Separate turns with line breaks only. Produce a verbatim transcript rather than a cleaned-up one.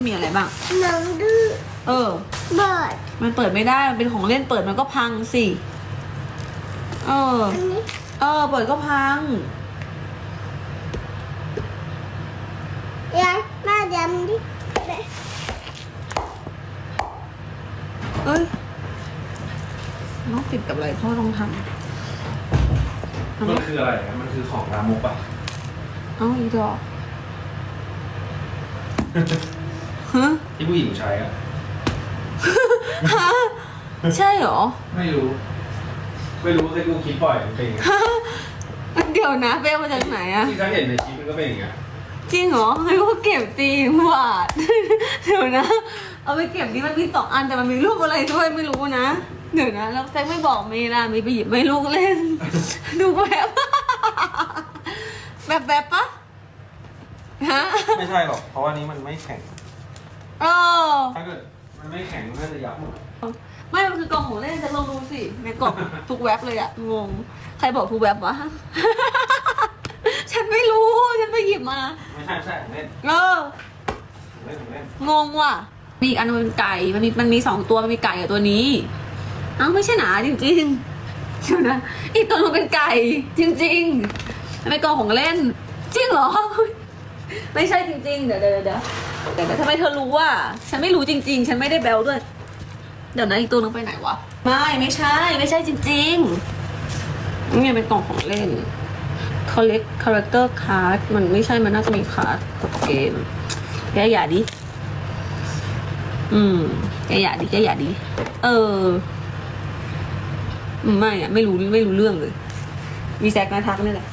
มีอะไรบ้าง
หนังดื้อ
เออ
เบิด
มันเปิดไม่ได้มันเป็นของเล่นเปิดมันก็พังสิเออ
อันนี้
เออเปิดก็พัง
ยังมาดำดิ
เอ้ยน้องติดกับอะไรพ่อต้องทำ
มันคืออะไรนะมันคือของลามกป่ะ
เอ้าอีดอกฮะ
ที่ผู้หญิงใช้อ่ะ
ฮะใช่เหรอ
ไม่รู้ไม่รู้เคยดูคลิปบ่อยมันเป็นอย่างเงี้ย
เดี๋ยวนะเป้มาจากไหนอะ
ที่เขาเห็นในคลิปมันก็เป็นอย่างเงี้ย
จริงเหรอให้ว่าเก็บตีบาทเดี๋ยวนะเอาไปเก็บนี่มันมีสองอันแต่มันมีรูปอะไรด้วยไม่รู้นะเดี๋ยวนะแล้วแซกไม่บอกเมย์ล่ะมีไปหยิบไม่ลูกเล่นดูแบบแบบแบบปะฮะ
ไม่ใช่หรอกเพราะว่านี้มันไม่แข็ง
เออ
ถ้าเกิดมันไม่แข็งมันก็จะยับหมด
ไม่มันคือกล่องของเล่นจะลองดูสิในกล่องทุกแว็บเลยอะงงใครบอกทุกแว็บวะฉันไม่รู้ฉันไปหยิบมา
ไม่ใช่ไม่ใช่ของเล่น
เออ
ของเล่นของเล่น
งงว่ะมีอีกอันนึงเป็นไก่มันมีมันมีสองตัวมันมีไก่กับตัวนี้เอ้าไม่ใช่หนาจริงๆเดี๋ยวนะอีกตัวนึงเป็นไก่จริงๆมันเป็นกล่องของเล่นจริงเหรอไม่ใช่จริงๆเดี๋ยวเดี๋ยวเดี๋ยวเดี๋ยวทำไมเธอรู้ว่าฉันไม่รู้จริงๆฉันไม่ได้แบลด้วยเดี๋ยวนะอีกตัวนึงไปไหนวะไม่ไม่ใช่ไม่ใช่จริงๆนี่เป็นกล่องของเล่น collect character card มันไม่ใช่มันน่าจะมีคาร์ดกับเกมแกอย่าดิอืมแกอย่าดิแกอย่าดิเออไม่อะไม่รู้ไม่รู้เรื่องเลยมีแซกนาทักนี่แหละ